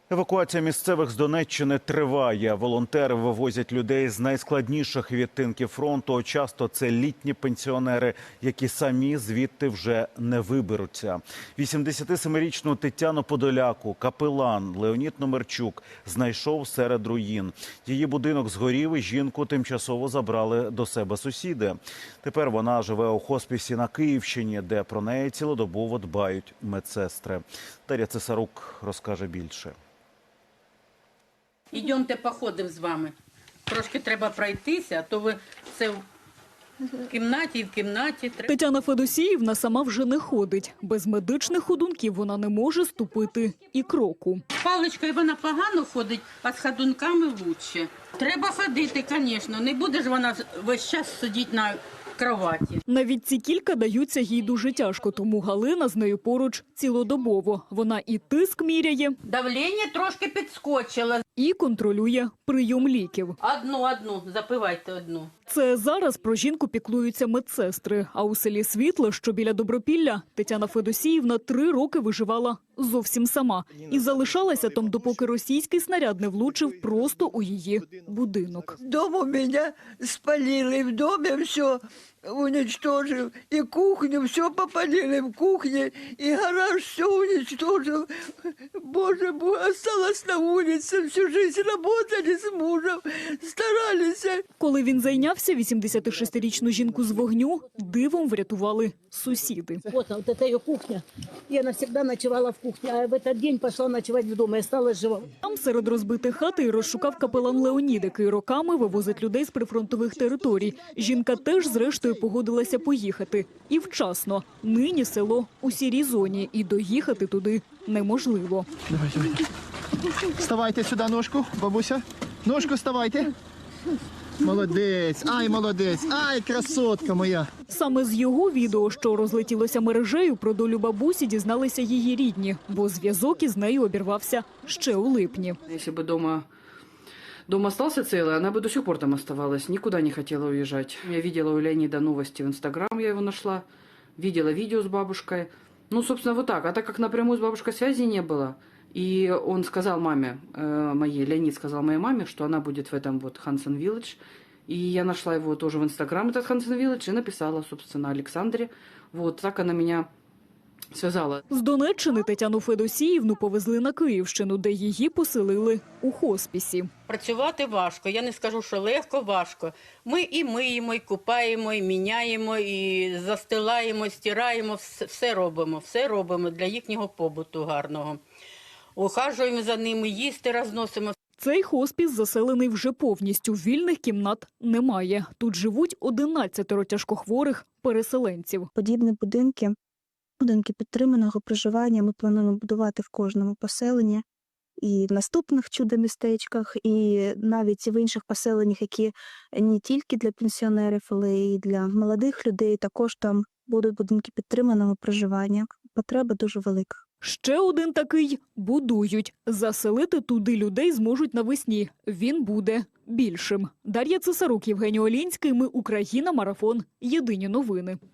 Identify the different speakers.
Speaker 1: Евакуація місцевих з Донеччини триває. Волонтери вивозять людей з найскладніших відтинків фронту. Часто це літні пенсіонери, які самі звідти вже не виберуться. 87-річну Тетяну Подоляку капелан Леонід Номерчук знайшов серед руїн. Її будинок згорів і жінку тимчасово забрали до себе сусіди. Тепер вона живе у хоспісі на Київщині, де про неї цілодобово дбають медсестри. Дар'я Цесарук розкаже більше.
Speaker 2: Ідемте походимо з вами. Трошки треба пройтися, а то ви все в кімнаті і в кімнаті.
Speaker 3: Тетяна Федосіївна сама вже не ходить. Без медичних ходунків вона не може ступити і кроку.
Speaker 2: Паличкою вона погано ходить, а з ходунками краще. Треба ходити, звісно. Не буде ж вона весь час сидіти на кроваті.
Speaker 3: Навіть ці кілька даються їй дуже тяжко, тому Галина з нею поруч цілодобово. Вона і тиск міряє,
Speaker 2: Давлення трошки підскочило.
Speaker 3: і контролює прийом ліків.
Speaker 2: Одну, запивайте одну.
Speaker 3: Це зараз про жінку піклуються медсестри. А у селі Світле, що біля Добропілля, Тетяна Федосіївна 3 роки виживала зовсім сама. І залишалася там, допоки російський снаряд не влучив просто у її будинок.
Speaker 4: Дом у меня спалили, в доме все уничтожил, и кухню все попалили в кухне, и гараж все уничтожил. Боже мой, осталась на улице, всю жизнь работали с мужем, старались.
Speaker 3: Коли він зайнявся, 86-річну жінку з вогню дивом врятували сусіди.
Speaker 5: Вот это ее кухня. Я навсегда ночевала в кухне, а в этот день пошла ночевать в дом и осталась жива.
Speaker 3: Там серед розбитих хат і розшукав капелан Леонід, який роками вивозить людей з прифронтових територій. Жінка теж, зрештою, погодилася поїхати. І вчасно. Нині село у сірій зоні, і доїхати туди неможливо.
Speaker 6: Давай. Вставайте сюди, ножку, бабуся. Ножку вставайте. Молодець, ай, красотка моя.
Speaker 3: Саме з його відео, що розлетілося мережею, про долю бабусі дізналися її рідні, бо зв'язок із нею обірвався ще у липні.
Speaker 7: Если бы дом остался целый, она бы до сих пор там оставалась, никуда не хотела уезжать. Я видела у Леонида новости в Инстаграм, я его нашла, видела видео с бабушкой. Ну, собственно, вот так. А так как напрямую с бабушкой связи не было, и он сказал маме, Леонид сказал моей маме, что она будет в этом вот Хансен Вилледж. И я нашла его тоже в Инстаграм, этот Хансен Вилледж, и написала, собственно, Александре. Вот так она меня зв'язала.
Speaker 3: З Донеччини Тетяну Федосіївну повезли на Київщину, де її поселили у хоспісі.
Speaker 2: Працювати важко, я не скажу, що легко, важко. Ми і миємо, і купаємо, і міняємо, і застилаємо, і стираємо, все робимо для їхнього побуту гарного. Ухажуємо за ними, їсти розносимо.
Speaker 3: Цей хоспіс заселений вже повністю, вільних кімнат немає. Тут живуть 11 тяжкохворих переселенців.
Speaker 8: Подібні будинки підтриманого проживання ми плануємо будувати в кожному поселенні. І в наступних чудо-містечках, і навіть в інших поселеннях, які не тільки для пенсіонерів, але й для молодих людей, також там будуть будинки підтриманого проживання. Потреба дуже велика.
Speaker 3: Ще один такий будують. Заселити туди людей зможуть навесні. Він буде більшим. Дар'я Цесарук, Євгеній Олінський. Ми Україна. Марафон. Єдині новини.